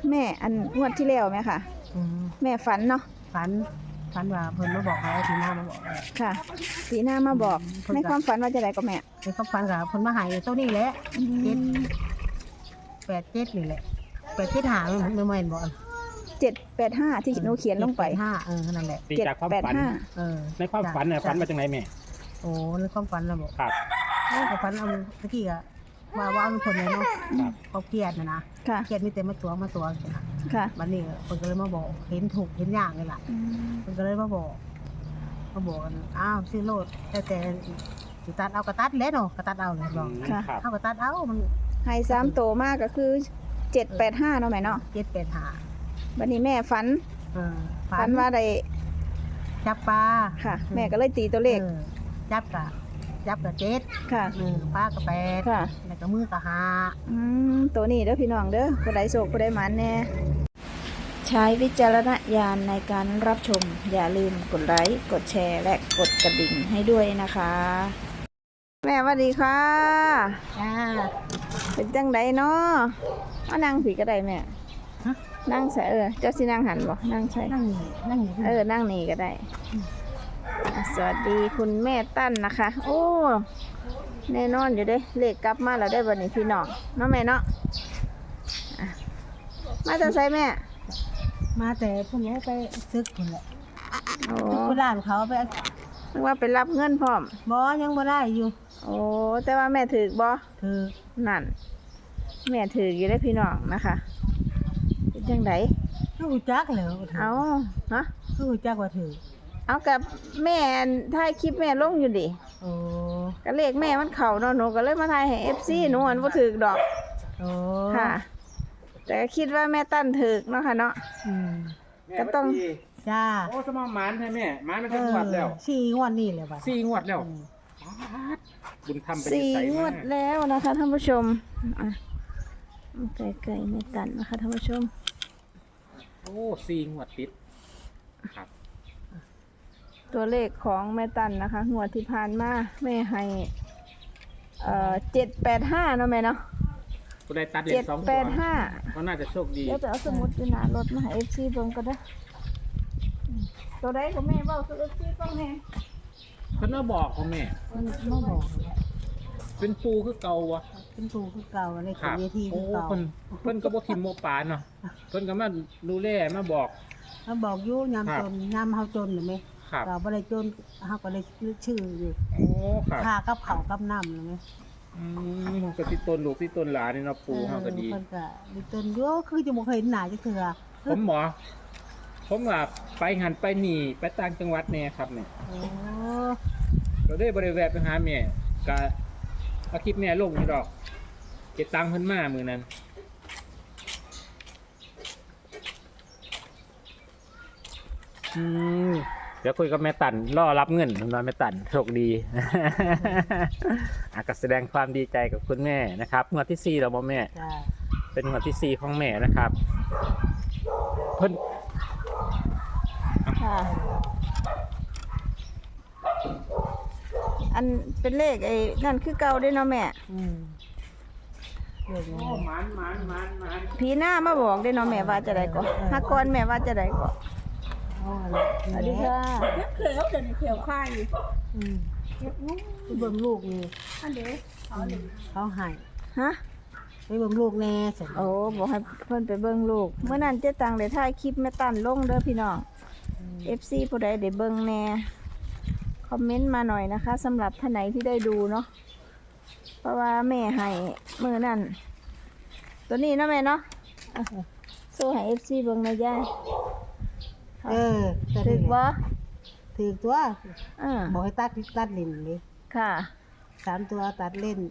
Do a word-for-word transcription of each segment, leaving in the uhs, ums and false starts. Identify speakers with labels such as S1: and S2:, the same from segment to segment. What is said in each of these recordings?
S1: แม่อันงวดที่แล้วไหมค่ะแม่ฝันเนาะ
S2: ฝันฝันว่าเพิ่นมาบอกให้ทีหน้ามาบอก
S1: ค่ะสีหน้ามาบอกในความฝันว่าจะได้ก็แม่
S2: ในความฝันกับเพิ่นมาให้เท่านี้แหละเจ็ดแปดเจ็ดนี่แหละแปดเจ็ดหาไม่ไม่บอก
S1: เจ็ดแปดห้าที่หนูเขียนลงไป
S2: ห้าเออนั่นแหละ
S3: ตีจากความฝัน
S2: เออ
S3: ในความฝันเนี่ยฝันมาจากไหนแม่
S2: โอ้ในความฝันเราบอก
S3: ครับ
S2: ในความฝันเอาเมื่อกี้อะว่าว่าเป็นคนไหนเนาะเขาเครียดนะนะเครียดมีแต่มาตัวมาตัว
S1: ค่ะ
S2: วันนี้คนก็เลยมาบอกเห็นถูกเห็นยากเลยล่ะคนก็เลยมาบอกมาบอกกันอ้าวซื้อโลดแต่แต่สิตัดเอากระตัดเล็ดเนาะกระตัดเอาเลยบอกเอากระตัดเอามัน
S1: ให้สามโตมากก็คือเจ็ดแปดห้าเนาะแม่เนาะ
S2: เจ็ดแปดห้า
S1: วันนี้แม่ฝันฝันว่าได้
S2: จับปลา
S1: ค่ะแม่ก็เลยตีตัวเลข
S2: จับกะจับกะเจ็ด
S1: ค่ะ
S2: หนึ่งปลากะแปด
S1: ค่ะ
S2: แล้วก็มือกะห้า
S1: อืมตัวนี้เด้อพี่น้องเด้อผู้ใดโศกผู้ใดหมันแน่ใช้วิจารณญาณในการรับชมอย่าลืมกดไลค์กดแชร์และกดกระดิ่งให้ด้วยนะคะแม่สวัสดีค่ะ
S2: จ้า
S1: เป็นจังไดเนาะมานั่งผีก็ได้แม่นั่งใส่เออเจ้าสินั่งหันบ่นั่งใช่
S2: นั่งนั่ง
S1: เออนั่งนี่ก็ได้สวัสดีคุณแม่ตั้นนะคะโอ้แน่นอนอยู่เด้เลขกลับมาแล้วได้วันนี้พี่น้องเนาะแม่เนาะมาจะใส่แม่
S2: มาแต่พวกนี้ไปซึกคนแหละซึกโบราณเขาไป
S1: นึกว่าไปรับเงินพร้อม
S2: บ่ยังบ่ได้อยู่
S1: โอ้แต่ว่าแม่ถือบ่
S2: ถือ
S1: นั่นแม่ถืออยู่ได้พี่น้องนะคะเป็นจังได
S2: คือหูจักแล้ว
S1: เอาฮะ
S2: คือหูจักว่าถือ
S1: เอากับแม่ถ่ายคลิปแม่ลงอยู่ดิ
S2: โอ้
S1: ก็เลขแม่มันเข่าเนาะหนูก็เลยมาถ่ายให้ เอฟ ซี หนูอันบ่ถือดอก
S2: โอ้
S1: ค่ะแต่คิดว่าแม่ตั้นถือเนาะค่ะเนาะ
S2: อืม
S1: ก็ต้อง
S2: จ้า
S3: โอ้สมองหมานใช่แม่หมานมันจะงวดแล้ว
S2: สี่งวดนี่เลยป่ะ
S3: สี่งวดแล้วบุญทำไป
S1: สี่งวดแล้วนะคะท่านผู้ชมอ่ะไก่ๆแม่ตั้นนะคะท่านผู้ชม
S3: โอ้สี่งวดติดครับ
S1: ตัวเลขของแม่ตันนะคะงวดที่ผ่านมาแม่ให้เอ่อเจ็ดแปดห้าเนาะแม่เนาะ
S3: ตัวได้ตัดเลขสองตัวก็น่าจะโชคดี
S1: เดี๋ยวจะเอาสมุดอยู่หน้ารถมาให้เอฟซีเบิ่งก็ได้ตัวใดของแม่เบ้าตัวเอฟซีต้องแม่
S3: เพิ่นมาบอกของแม่
S2: มันมาบอก
S3: เป็นปูคือเก่าวะ
S2: เป็นปูคือเก่าในเขตเวทีคือเก่า
S3: เพิ่นเพิ่นก็บ่ทิมโมปานเนาะเพิ่นก็มาดูแลมาบอก
S2: มาบอกอยู่ยามจนยามเฮาจนหรือไหมเราบ่ได้จนเฮาก็ได้ชื่ออยู่
S3: โอ้ครับ
S2: ค่ากับข้าวกับน้ำหรือไหม
S3: อืมมันก็ติดต้นลูกติดต้นหลานนี่เนาะปูเฮาก็ดี
S2: เพิ่นก็ติดต้นอยู่คือจะบ่เคยเห็นหน้าจักเทื่อ
S3: ผมหมอผมว่าไปหันไปนี่ไปต่างจังหวัดแน่ครับเนี่ย
S2: โอ้
S3: ก็ได้บ่ได้แวะไปหาแม่ก็เอาคลิปแม่ลงนี่ดอกเก็บตังค์เพิ่นมามื้อนั้นอืมเดี๋ยวคุยกับแม่ตันรอรับเงินน้อยแม่ตันโชคดีก็แสดงความดีใจกับคุณแม่นะครับงวดที่สี่แล้วบ่แม่เป็นงวดที่สี่ของแม่นะครับเพิ่น
S1: ค่ะอันเป็นเลขไอ้นั่นคือเก่าได้เนาะแม่
S2: อืม
S3: โอ้หมานหมานหมานหมาน
S1: ผีหน้ามาบอกได้เนาะแม่ว่าจะได้ก่อนฮักก่อนแม่ว่าจะได้ก่อนสวัสดีค่ะ
S2: เก็บเขียวเดี๋ยวนี้เขียวไข่อืมเก็บลูกไปเบิ่งลูกนี่อันเด้เขาเขาให้
S1: ฮะ
S2: ไปเบิ่งลูกแน่สิ
S1: โอ้บอกให้เพิ่นไปเบิ่งลูกเมื่อนั้นเจ๊ตังได้ถ่ายคลิปแม่ตันลงเด้อพี่น้อง เอฟ ซี ผู้ใดได้เบิ่งแน่คอมเมนต์มาหน่อยนะคะสำหรับท่านไหนที่ได้ดูเนาะเพราะว่าแม่ให้มือนั่นตัวนี้เนาะแม่เนาะโซ่ให้ เอฟ ซี เบิ่งหน่อยย่า
S2: เออ
S1: ถือว่า
S2: ถือตัวบอกให้ตัดตัดเล่นเลย
S1: ค่ะ
S2: สามตัวตัดเล่น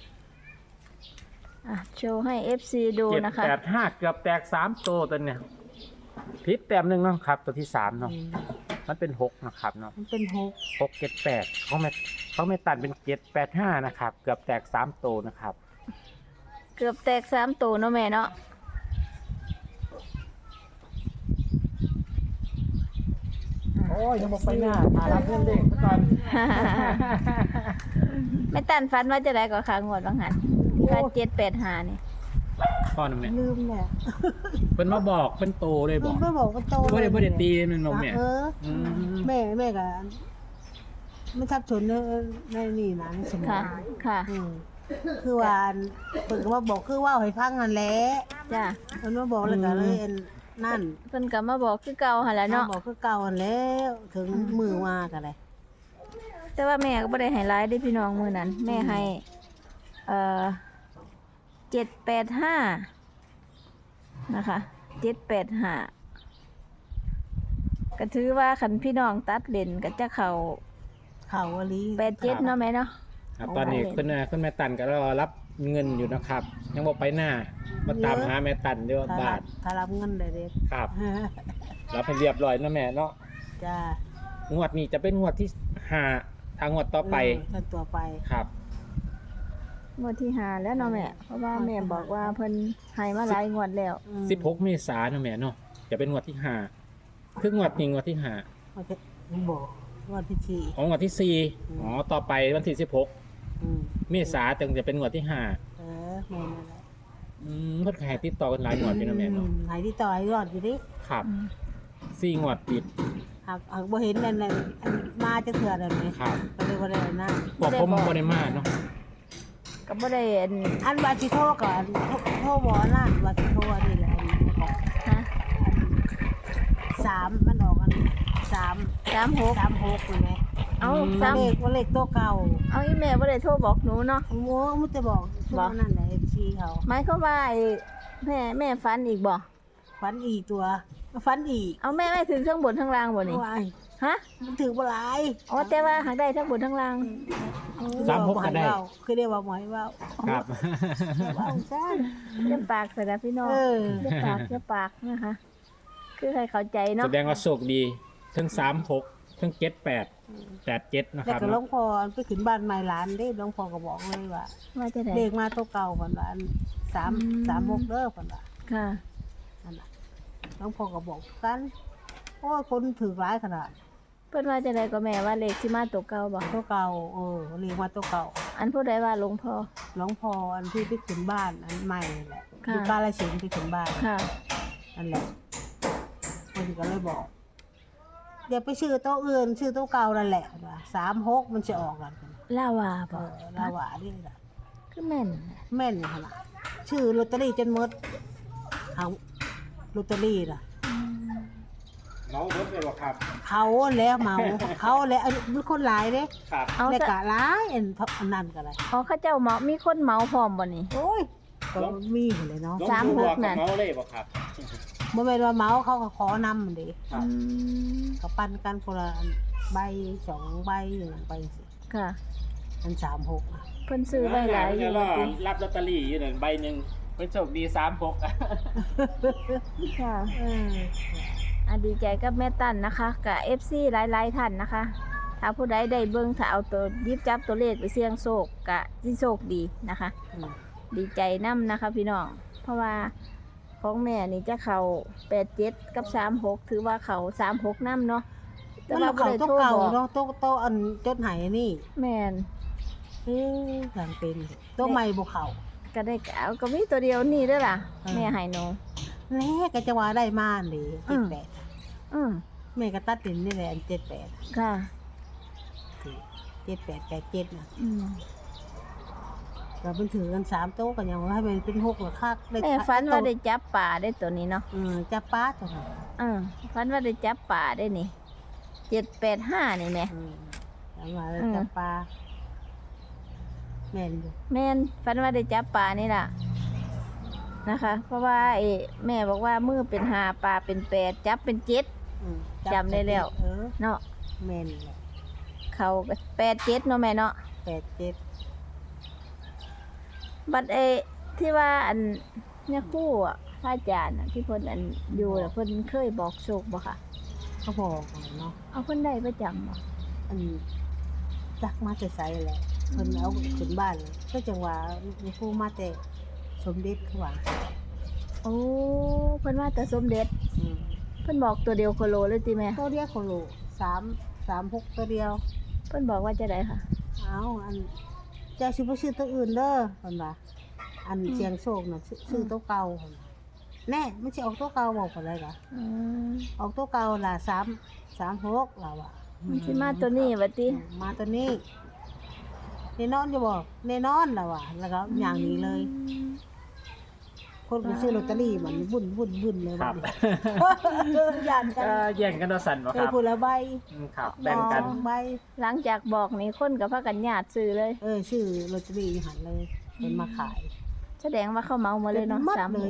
S1: อ่ะโชว์ให้ เอฟ ซี ดูนะคะ
S3: เจ็ดแปดห้าเกือบแตกสามตัวตัวเนี่ยพิษแต้มหนึ่งเนาะครับตัวที่สามเนาะมันเป็นหกนะครับเนาะ
S2: มันเป็นหก
S3: หกเจ็ดแปดเขาไม่เขาไม่ตัดเป็นเจ็ดแปดห้านะครับเกือบแตกสามตัวนะครับ
S1: เกือบแตกสามตัวเนาะแม่เนาะ
S3: โอ้ยยังบอกไปหน้าหารับเงินเด็กก่อน
S1: ไม่ตันฟันว่าจะได้ก็ขางวดบางหันที่ว่าเจ็ดแปดหานี่
S3: ผพ่อนะแม่
S2: ลืมแหละ
S3: เพิ่นมาบอกเพิ่นโตเลยบ
S2: ลื
S3: อ
S2: ม
S3: ก
S2: ไม่บอกก็โต
S3: บ่ได้บ่ได้ตีมันบ่แม่
S2: เออ
S3: อืม
S2: แม่แม่ก็ไม่ทับชนในในนี่นะในสมอ
S1: ค่ะ
S2: ง
S1: ค่ะ
S2: อืมคือว่าเพิ่นก็มาบอกคือว่าให้ฟังนั่นแหละ
S1: จ้ะ
S2: เพิ่นมาบอกแล้วก็เลยอันนั่น
S1: เพิ่นก็มาบอกคือเก่าหั่นแหละ
S2: มา
S1: เนาะ
S2: บอกคือเก่านั่นแล้วถึงมือมาก็เลย
S1: แต่ว่าแม่ก็บ่ได้ให้หลายเด้พี่น้องมื้อนั้น แม่ให้เอ่อเจ็ดแปดห้านะคะเจ็ดแปดห้าก็ถือว่าคันพี่น้องตัดเล่นก็จะเข้า
S2: เขาอลี
S1: แปดเจ็ดเนาะแม่เนาะ
S3: ครับตอนนี้คุณแม่คุณแม่ตันก็รอรับเงินอยู่นะครับ ยังบ่ไปหน้ามาตามหาแม่ตันเด้อ
S2: ถ้า
S3: บา
S2: รั
S3: ท
S2: บถ้ารับเงินได้เด็ก
S3: ครับรับให้เรียบร้อยนะแม่เนาะ
S2: จ้าง
S3: วดนี้จะเป็นงวดที่ห้าทางงวดต่อไป
S2: เท่านตัวไป
S3: ครับ
S1: งวดที่ห้าแล้วเนาะแม่เพราะว่าแม่บอกว่าเพิ่นให้มาหลายงวดแล้ว
S2: อืม
S3: สิบหกเมษายนนะแม่เนาะจะเป็นงวดที่ห้าคืองวดนี้งวดที่ห้า
S2: ว่าจะบอกว่าที่สี่
S3: ของงวดที่สี่
S2: อืม
S3: อ๋อต่อไปวันที่สิบหก
S2: อืม
S3: เมษายนถึงจะเป็นงวดที่ห้า
S2: เออแม่นั่นแหละ
S3: อืมเพิ่นขายติดต่อกันหลายงวดอยู่นะแม่เนาะ
S2: อืหายที่ต่อให้รอดอยู่ดิ
S3: ครับสี่งวดติด
S2: หากหากบ่เห็นนั่นน่ะอันมาจะเถื่อนอะไรไหม
S3: ครับ
S2: ก็เลยบ่ได้เอาหน้า
S3: บอกผมบ่ได้มาเนาะ
S1: ก็บ่ได้อัน
S2: อันว่าสิโทรก่อนโทรโทรบ่นั่นว่าสิโทรอันนี้แหละอันนี้ก่อน
S1: ฮะ
S2: สามมันออกอันสาม
S1: สามหก
S2: สามหกใช่ไหม
S1: เอาสาม
S2: เลขว่าเลขตัวเก่า
S1: เอาอีแม่บ่ได้โทรบอกหนูเนาะ
S2: โอ้โหมันจะบอกช่วงนั้นแหละ เอฟ ซี เขา
S1: หมายความว่าไอ้แม่แม่ฝันอีกบ่
S2: ฟันอีกตัวฟันอีก
S1: เอาแม่ไม่ถึงทั้งบนทั้งล่างบ่นี่
S2: ว้าย
S1: ฮะ
S2: มันถือบ่หลาย
S1: อ๋อแต่ว่าหากได้ทั้งบนทั้งล่าง
S3: สามหกก็ได้
S2: คือได้ว่าหมอยว่า
S3: ครับ
S2: ว่าซ่า
S1: เจ็บปากใส่นะพี่น้อง
S2: เออ
S1: เจ็บปากเจ็บปากนะคะ คือให้เข้าใจเนาะ
S3: แสดงว่าโชคดีทั้งสามหกทั้งเจ็ดแปดแปดเจ็ดนะค
S2: แต่
S3: รับ
S2: ก็หลว
S3: เนาะ
S2: งพ่อไปขึ้นบ้านใหม่หลานเด้หลวงพ่อก็บอกเลยว่า
S1: ว่าจะได้
S2: เลขมาตัวเก่าก่อนว่าอันสาม
S1: อืม
S2: สามหกเด้อก่อนว่า
S1: ค่ะ
S2: นั่นน่ะหลวงพ่อก็บอกกันโอ้ยคนถือร้ายขนาด
S1: เพิ่นว่าจะได้ก็แม่ว่าเลขสิมาตัวเก่าบ่
S2: ตัวเก่าเออเลขมาตัวเก่า
S1: อันผู้ใดว่าหลวงพ่อ
S2: หลวงพ่ออันที่ไปขึ้นบ้านอันใหม่นั่นแหละ
S1: ค่ะ
S2: อยู่กาฬสินธุ์ไปขึ้นบ้าน
S1: ค่ะ
S2: นั่นแหละคนก็เลยบอกเดี๋ยวไปชื่อโต๊ะอื่นชื่อโต๊ะเก่านั่นแหละว่าสามหกมันจะออกกัน
S1: ลาวา
S2: เอ
S1: บ่
S2: อลาวานี่ล่ะ
S1: คือแม่น
S2: แม่นขนาดชื่อลอตเตอรี่จนหมดเอาลอตเตอรี่ล่ะ
S3: น้องเบิร์ดเลยบ่ครับ
S2: เขาแล้วเมา เขาแล้วอันมันคนหลายเด้
S3: ครับ
S1: เอา
S2: แล้ว
S1: ซะ
S2: กะหลายอันอันนั้นก็เลย
S1: อ๋อเขาเจ้าเหมามีคนเหมาพร้อมบ่นี่
S2: โอ้ยก็มีหมดเลยเนาะ
S1: สามหกนั่น
S3: น้องเลยบ่ครับ
S2: บ่แม่นว่าเมาเขาก็ขอนำมันเด้
S3: ครับ
S1: อืม
S2: ก็ปันกันคนละอันใบสองใบอย่างนั้นไปสิ
S1: ค่ะ
S2: อันสามหกอะ
S1: เพิ่นซื้อไว้หลายอยู่
S3: ว่า
S1: ติ
S3: รับลอตเตอรี่อยู่นั่นใบหนึ่งเป็นโชคดีสามหก
S1: ค่ะ
S2: เออ
S1: อ่ะดีใจกับแม่ตั้นนะคะกับ เอฟ ซี หลายๆท่านนะคะ ถ้าผู้ใดได้เบิ่งถ้าเอาตัวหยิบจับตัวเลขไปเสี่ยงโชคกะสิโชคดีนะคะ
S2: อืม
S1: ดีใจนํนะคะพี่น้อง เพราะว่าของแม่นี่จะเข้าแปดเจ็ดกับสามหกถือว่าเขาสามหกนํเนาะแต่
S2: มัน
S1: ว่า
S2: เอา
S1: บ่
S2: เขา
S1: ได้
S2: โต๊ะ
S1: โทร
S2: เก่า
S1: บอก
S2: เนาะโต๊ะโต๊ะอันจดไหายนี่
S1: แม่น
S2: เอ๊ะทางเป็นโต๊ะใหม่บ่เข้า
S1: ก็ได้เอาก็มีตัวเดียวนี่เด้อล่ะ
S2: อืม
S1: แม่ให้หนู
S2: แน่ก็จะว่าได้มาเลย
S1: อื
S2: เจ็ด
S1: ม
S2: แปด
S1: อืม
S2: แม่ก็ตัดสินนี่แหละอันเจ็ดแปด
S1: ค่ะ
S2: เจ็ดแปดแปดเจ็ดนะ
S1: อืม
S2: เราเป็นถือกันสามโต๊ะกันอย่างว่าให้มันเป็นหกหรือคักได้
S1: แม่ฝันว่าได้จับป่าได้ตัวนี้เนาะ
S2: เออจับป้าตัวนั้น
S1: เออฝันว่าได้จับป่าได้นี่เจ็ดแปดห้านี่แม่
S2: เออจับมาแล้ว
S1: อืม
S2: จับปลาแม่นอยู่
S1: แม่นฝันว่าได้จับป่านี่ล่ะนะคะ เพราะว่าไอ้แม่บอกว่ามือเป็นหาปลาเป็นแปดจับเป็นเจ็ด
S2: อืม
S1: จำได้แล้ว
S2: เออ
S1: เนาะ
S2: แม่นแหละ
S1: เขาก็แปดเจ็ดเนาะแม่เนาะ
S2: แปดเจ็ด
S1: บัดไอ้ที่ว่าอันเนี่ยครู่อ่ะพระอาจารย์อะที่เพิ่นอันอยู่น่ะเพิ่นเคยบอกโชคบ่ค่ะ
S2: เขาบอกเนาะ
S1: เอาเพิ่นได้ประจำบ่
S2: อันจักมาแต่ไสแหละเพิ่นเอาขึ้นบ้านเลยก็จังว่ามีผู้มาแต่สมเด็จเขาว่า
S1: โอ้เพิ่นว่าแต่สมเด็จ
S2: อืม
S1: เพิ่นบอกตัวเดียวโคโลเลยติแม่
S2: ตัวเดียวโคโลสามสามหกตัวเดียว
S1: เพิ่นบอกว่าจะได้ค่ะ
S2: เอาอันเจ้าสิบ่ซื้อตัวอื่นเด้อเพิ่นว่าอัอันเสียงโชคน่ะซื้อซื้อตัวเก่าหั่นน่ะแน่มันสิออกตัวเก่าบอกว่าได้ล่ะ
S1: อืม
S2: ออกตัวเก่าล่ะสามสามหกเราอ่ะ
S1: มันสิมาตัวนี้บัดติ
S2: มาตัวนี้แน่นอนจะบอกแน่นอนเราอ่ะแล้วก็อย่างนี้เลย คนไปซื้อลอตเตอรี่มันวุ่นวุ่นวุ่นเลย
S3: ครับ
S2: ยานกัน
S3: ก็แย่งกันเอาสั่นบ่
S2: เค
S3: ค
S2: ย
S3: รับ
S2: พูดละใบ
S3: อืมครับแบ่งกัน
S2: สองใบ
S1: หลังจากบอกนี่คนก็พากันญาติซื้อเลย
S2: เออชื่อลอตเตอรี่หันเลยเป็นมาขาย
S1: แสดงว่าเขาเมามาเลยเนาะ
S2: มัด
S1: สาม
S2: เลย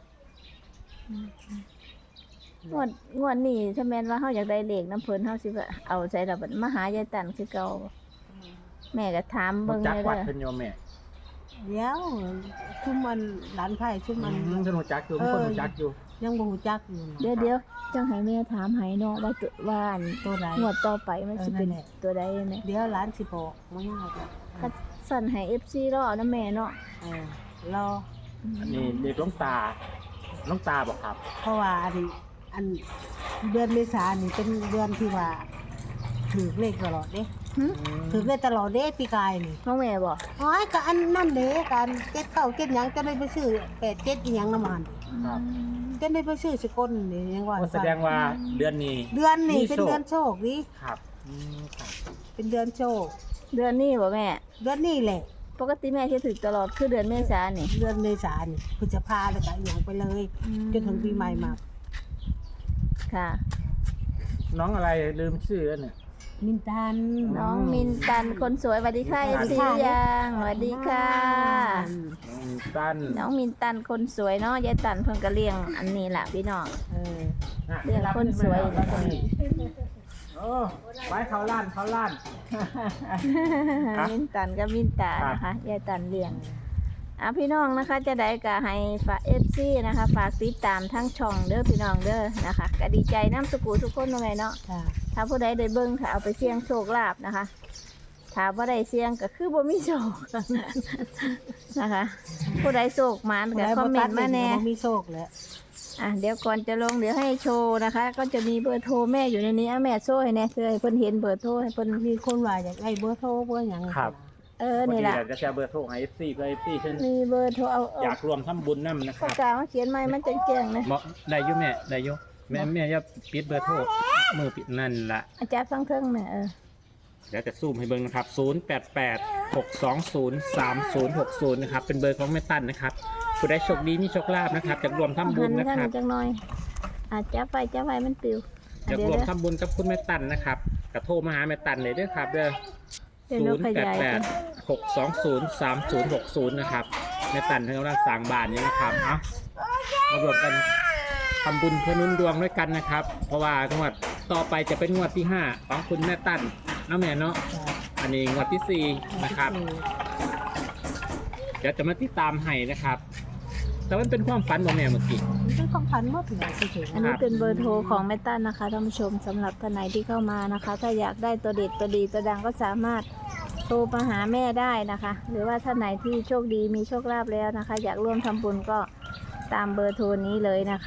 S1: งวดงวดนี้ถ้าแม่นว่าเฮาอยากได้เลขน้ำเพิ่นเฮาสิว่าเอาใส่ดอกบัดมาหายายตันคือเก่าแม่ก็ถาม
S3: รู้
S1: เบิ่ง
S3: จัก
S1: เลย
S3: วัด
S1: เด้อ
S3: เพิ่นโยมแม่
S2: เดี๋ยวชุ่มมันหลานไผ่ชุ่ม
S3: อื
S2: มัน
S3: มเพิ่นรู้จักอยู่
S2: เออ
S3: เพิ่นรู้จักอยู่
S2: ยังบ่ฮู้จักอยู่นะ
S1: เดี๋ยวเดี๋ยวจังให้แม่ถามให้เนาะว่าตัวว่าอัน
S2: ตัวใด
S1: งวดต่อไปมันสิเป็น
S2: เออนั่นแหละ
S1: ตัวใดแม่
S2: เดี๋ยวหลานสิบอกมันยากอะ
S1: ก็สั่นให้ เอฟ ซี รอนะแม่เนาะ
S2: เออรอ
S3: อันนี้เด็กหลวงตาหลวงตาบ่ครับ
S2: เพราะว่าอันอันเดือนเมษายนนี่เป็นเดือนที่ว่าถือเลขตลอดเด้
S1: หึ
S2: ถือเลขตลอดเด้ปีกายนี่
S1: น้องแม่บ่
S2: อ๋อก็อันนั่นเด้การเก็ดเก้าเก็ดหยังจะได้ไปซื้อแปดเก็ดอีหยังน้ำมัน
S3: ครับ
S2: จะได้ไปซื้อสกลนี่ยังว่า
S3: ก็แสดงว่าเดือนนี้
S2: เดือนนี่
S3: มี
S2: เป็น
S3: โชค
S2: เดือนโชคนี่
S3: ครับอืมครับ
S2: เป็นเดือนโชค
S1: เดือนนี้บ่แม่
S2: เดือนนี้แหละ
S1: ปกติแม่สิถึกตลอดคือเดือนเมษายนนี่
S2: เดือนเมษายนนี่พฤษภาแล้วก็อีหยังไปเลยจนถึงปีใหม่มา
S1: ค่ะ
S3: น้องอะไรลืมชื่อแล้วเนี่ย
S2: มินตัน
S1: น้องมินตันคนสวยสวัสดีค่ะ
S3: ส
S1: เอ
S3: วั
S1: ฟ
S3: สดี
S1: ซี
S3: ค่ะ
S1: ยังสวัสดีค่ะ
S3: น้องตัน
S1: น้องมินตันคนสวยเนาะยายตันเพิ่นก็เลี้ยงอันนี้ล่ะพี่น้อง
S2: เออ
S3: อ่ะ
S1: เรื่องคนสวย
S3: รับคนนี้โอ้ไว้เขาล้านเขาล้าน ครับ
S1: มินตันกับมินตานะคะยายตันเลี้ยงอ่ะพี่น้องนะคะจะได้ก็ให้ฝาก เอฟ ซี นะคะฝากติดตามทั้งช่องเด้อพี่น้องเด้อนะคะก็ดีใจน้ำสกูทุกคนเนาะแม่เนาะ
S2: ค่ะ
S1: ถ้าผู้ใดได้เบิ่งถ้าเอาไปเสี่ยงโชคลาภนะคะถ้าบ่ได้เสี่ยงก็คือบ่มีโชค นะคะ ผู้ใดโชคหมานก็คอมเมนต์มาแน่
S2: บ่มีโชคแหละ
S1: อ่ะเดี๋ยวก่อนจะลงเดี๋ยวให้โชว์นะคะ ก็จะมีเบอร์โทรแม่อยู่ในนี้อ่ะแม่โชว์ให้แน่เพื่อให้เพิ่นเห็นเบอร์โทรให้เพิ่น
S2: มีคนว่าอยากได้เบอร์โทรเบอร์หยัง
S3: ครับ
S1: เออ
S3: พอ
S1: นี่
S3: ดี
S1: แหละ
S3: อยากจะแชร์เบอร์โทรให้ เอฟ ซี เพื่อ เอฟ ซี เพิ่น
S1: มีเบอร์โทรเอาเอา
S3: อยากรวมทำบุญนํนะค
S1: ปา
S3: รั
S1: ก
S3: บ
S1: กามาเขียนใหม่มันจังแจ้งๆนะ
S3: เหมาะได้อยู่แม่ได้อยู่แม่แม่อย่าปิดเบอร์โทรมือปิดนั่นล่ะ
S1: อาจารย์ฟังเทิงแม่เออ
S3: เดี๋ยวจะซูมให้เบิ่งนะครับ ศูนย์ แปด แปด หก สอง ศูนย์ สาม ศูนย์ หก ศูนย์ นะครับ เป็นเบอร์ของแม่ตั้นนะครับผู้ใดโชคดีมีโชคลาภนะครับจะรวมทำบุญ
S1: หั
S3: นะ
S1: ข้าง
S3: ครับ
S1: จังหน่อยอาจจะไปจะไปมันปิวอ่ะ
S3: จะ
S1: เดี๋ยว
S3: รวม
S1: เด้อ
S3: ทำบุญกับคุณแม่ตั้นนะครับกระโทรมาหาแม่ตั้นเลยเด้วยครับเด้อ
S1: เดี๋ยวหนู
S3: ศูนย์
S1: ข
S3: แปด
S1: ยาย
S3: แป
S1: กั
S3: ด
S1: น
S3: หกสองศูนย์สามศูนย์หกศูนย์นะครับแม่ตั้นเพิ่งกำลังสร้างบ้านนี้นะครับเอามารวมกันทำบุญเพื่อหนุนดวงด้วยกันนะครับ เพราะว่างวดต่อไปจะเป็นงวดที่ห้าของคุณแม่ตั้นน้าแม่เนาะ
S2: จ้ะ
S3: อันนี้งวดที่สี่นะครับ เดี๋ยวจะมาติดตามให้นะครับ แต่มันเป็นความฝันของแม่เมื่อกี้
S2: มันเป็นของพันหมดเลยเฉย
S1: อันนี้เป็นเบอร์โทรของแม่ตั้นนะคะท่านผู้ชมสำหรับท่านไหนที่เข้ามานะคะ ถ้าอยากได้ตัวเด็ดตัวดีตัวดังก็สามารถโทรมาหาแม่ได้นะคะ หรือว่าท่านไหนที่โชคดีมีโชคลาภแล้วนะคะ อยากร่วมทำบุญก็ตามเบอร์โทรนี้เลยนะคะ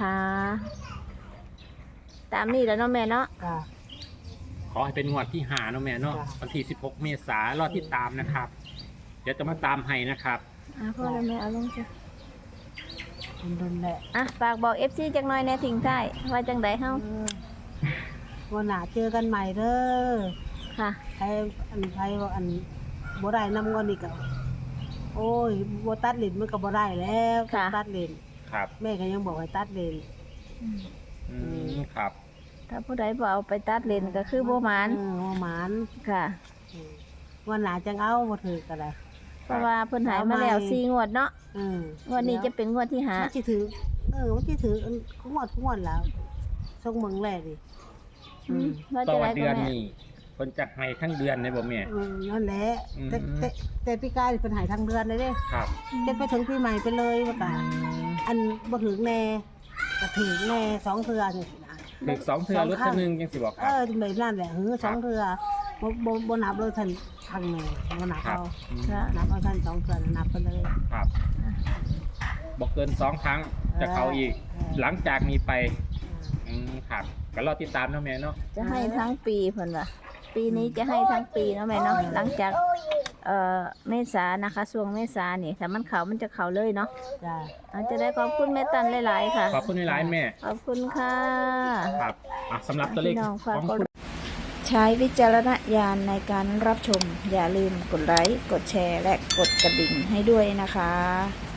S1: ตามนี้แล้วเนาะแม่เนาะ
S2: ๆจ้ะ
S3: ขอให้เป็นงวดที่หาเนาะแม่เนาะ
S2: จ้ะ
S3: วันที่สิบหกเมษายนรอที่ตามนะครับ เดี๋ยวจะมาตามให้นะครับ
S1: อ่ะพ่อแล้วแม่เอาลงจ้ะ
S2: มันโดนแหละ
S1: อ่ะฝากบอก เอฟ ซี จังหน่อยในทิ้งท้ายว่าจังไดเฮา
S2: เออวันหน้าเจอกันใหม่เด้อ
S1: ค่ะ
S2: ใครอันใครว่าอันบ่ได้นำเงินอีกอะโอ้ยบ่ตัดเลนมันก็บ่ได้แล้ว
S1: ค่ะ
S2: ตัดเลน
S3: ครับ
S2: แม่ก็ยังบอกให้ตัดเลน
S3: อืมครับ
S1: ถ้าผู้ใดบ่เอาไปตัดเลนก็คือบ่หมาน
S2: เออบ่หมาน
S1: ค่ะ
S2: อืมวันหน้าจังเอาบ่ถือก็ได้
S1: เพราะว่าเพิ่นใหายมาแล้วสี่งวดเนาะ
S2: เออง
S1: วดนี้จะเป็นงวดที่ห้า
S2: มันสิถือเออมันสิถืออันงวดงวดแล้วส่งเมืองแรกดิ
S1: อืมว่า
S3: ต่
S1: จะ
S3: อ
S1: ได้
S3: เดื
S1: ก็
S3: อน
S1: แม่
S3: นี้คนจะให้ทั้งเดือนเลยบ่แม่
S2: เออนั่นแหละ
S3: อืม
S2: แต่แต่แต่ปีกายนี่เพิ่นใหายทางเดือนเลยเด้
S3: ครับ
S2: จะไปถึงปีใหม่ไปเลยว่าก็ อันบ่ถึงแน่ก็ถึงแน่สองเทื่อนี่นะ
S3: ถึงสองเทือรถคันหนึงยังสิบอกค
S2: เอ
S3: รับ
S2: อแบบนั้นแหละเออสองเทื่อบ่บ่บ่นับเลยท่านทางแม่บ่นับ
S3: ครับ
S2: เอา
S3: อืม
S1: ค่ะ
S2: นับเอาท่านสองเทื่อนับไปเลย
S3: ครับบอกเกินสองครั้งจะเข้าอีก หลังจากนี้ไปอืมครับก็รอติดตามเนาะแม่เนาะ
S1: จะให้ทั้งปีเพิ่นว่าปีนี้จะให้ทั้งปีเนาะแม่เนาะหลังจากเอ่อเมษานะคะช่วงเมษานี่ถ้ามันเขามันจะเขาเลยเนาะ
S2: จ้า
S1: อาจจะได้ขอบคุณแม่ตันหลายๆค่ะ
S3: ขอบคุณในไลน์แม่
S1: ขอบคุณค่ะ
S3: ครับอ่ะสำหรับตัวเลข
S1: พี่น้องฝาก
S3: ของ
S1: กด
S3: คุณ
S1: ใช้วิจารณญาณในการรับชม อย่าลืมกดไลค์ กดแชร์ และกดกระดิ่งให้ด้วยนะคะ